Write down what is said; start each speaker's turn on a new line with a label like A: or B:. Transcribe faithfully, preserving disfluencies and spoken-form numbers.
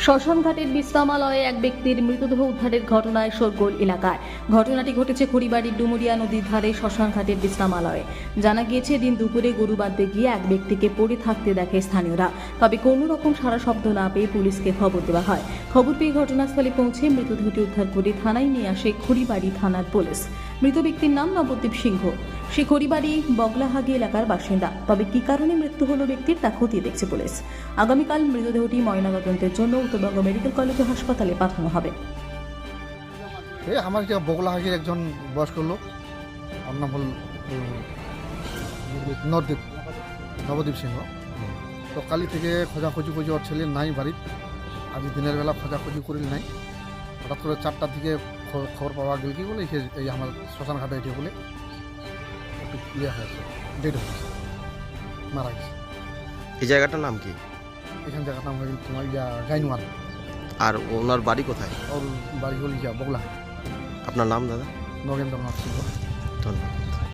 A: শ্মশানঘাটের বিশ্রামালয়ে এক ব্যক্তির মৃতদেহ উদ্ধারের ঘটনায় শোরগোল এলাকায়। ঘটনাটি ঘটেছে খড়িবাড়ির ডুমুরিয়া নদীর ধারে শ্মশানঘাটের বিশ্রামালয়ে। জানা গিয়েছে, দিন দুপুরে গরু বাঁধতে গিয়ে এক ব্যক্তিকে পড়ে থাকতে দেখে স্থানীয়রা। তবে কোনো রকম সারা শব্দ না পেয়ে পুলিশকে খবর দেওয়া হয়। খবর পেয়ে ঘটনাস্থলে পৌঁছে মৃতদেহটি উদ্ধার করে থানায় নিয়ে আসে খড়িবাড়ি থানার পুলিশ। মৃত ব্যক্তির নাম নবদ্বীপ সিংহ। সে খড়িবাড়ি বগলাহাগি এলাকার বাসিন্দা। তবে কী কারণে মৃত্যু হলো ব্যক্তির তা খতিয়ে দেখছে পুলিশ। আগামীকাল মৃতদেহটি ময়নাতদন্তের জন্য উত্তরবঙ্গ মেডিকেল কলেজ ও হাসপাতালে পাঠানো হবে।
B: এই আমার যে বগলাহাগির একজন বয়স্ক লোক, ওর নাম হল নবদ্বীপ নবদ্বীপ সিংহ। তো কালি থেকে খোঁজাখুঁজি খুঁজি ওর ছেলে নাই বাড়ির। আজ দিনের বেলা খোঁজাখুঁজি করিল নাই, হঠাৎ করে চারটার দিকে খবর পাওয়া গেল কি বলে এই আমার শ্মশান ঘাটে এটি বলে একটু ইয়ে হয়েছে, ডেড হয়েছে, মারা গেছে।
C: এই জায়গাটার নাম কি?
B: এখান জায়গার নাম হয়ে গেল তোমার ইয়া গাইনওয়াল।
C: আর ওনার বাড়ি কোথায়?
B: ওর বাড়ি হল ইয়া বগলাহাগি।
C: আপনার নাম দাদা?
B: নগেন্দ্রনাথ সিংহ।
C: ধন্যবাদ।